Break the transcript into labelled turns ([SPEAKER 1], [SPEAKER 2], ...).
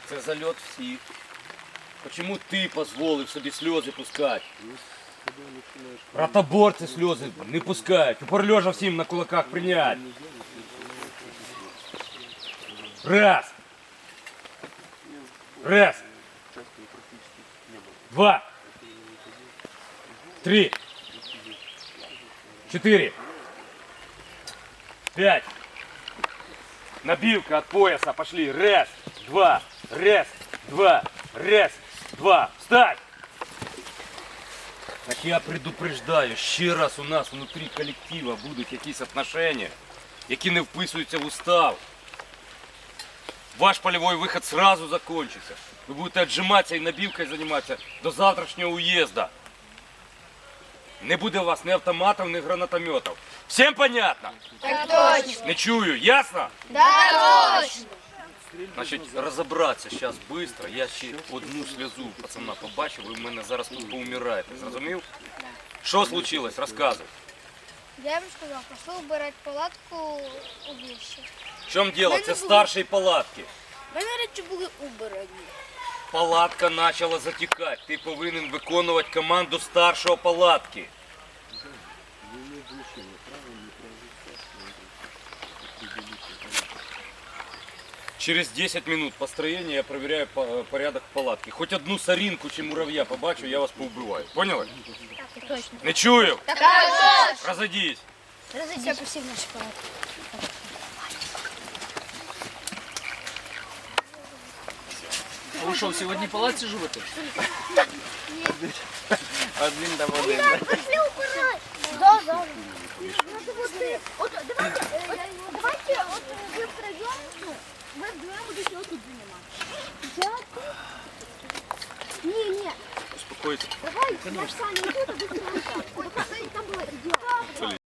[SPEAKER 1] Це зальот всіх. Чому ти дозволив собі сльози пускати? Ротоборці сльози не пускають. Упорлежа всім на кулаках прийнять. Раз. Раз. Два. Три. 4. 5. Набивка от пояса. Пошли. Раз, два. Раз, два. Раз, два. Встать! Так я предупреждаю, ще раз у нас внутрі колектива будуть якісь отношения, які не вписуються в устав. Ваш полевой выход сразу закончится. Вы будете отжиматься и набивкой заниматься до завтрашнего уезда. Не буде у вас ни автоматов, ни гранатометов. Всем понятно?
[SPEAKER 2] Так точно.
[SPEAKER 1] Не чую, ясно?
[SPEAKER 2] Да, точно.
[SPEAKER 1] Значить, розібратися зараз швидко. Я ще одну сльозу пацана побачив, ви в мене зараз тут поумираєте. Зрозумів? Що случилось? Розказуй.
[SPEAKER 2] Я бы сказал, пошел убирать палатку у вещи.
[SPEAKER 1] В чому діло? Це старші палатки.
[SPEAKER 2] Мене речі були убрані.
[SPEAKER 1] Палатка почала затікати. Ти повинен виконувати команду старшого палатки. Через 10 минут построения я проверяю порядок в палатке. Хоть одну соринку чи муравья побачу, я вас поубиваю. Поняли?
[SPEAKER 2] Так точно.
[SPEAKER 1] Не чую?
[SPEAKER 2] Так точно.
[SPEAKER 1] Разойдись.
[SPEAKER 2] Все, пошли в нашу палатку.
[SPEAKER 3] Ви що, всі в одній палаці живете?
[SPEAKER 1] Один там один.
[SPEAKER 2] Пошли убирать. Да, да. Вот, давайте, вот вы втроем, вы вдвоем будете вот тут заниматься. Я тут. Не.
[SPEAKER 1] Успокойся.
[SPEAKER 2] Давай, я с Саней тут, а вы с Саней там. Там было идеально.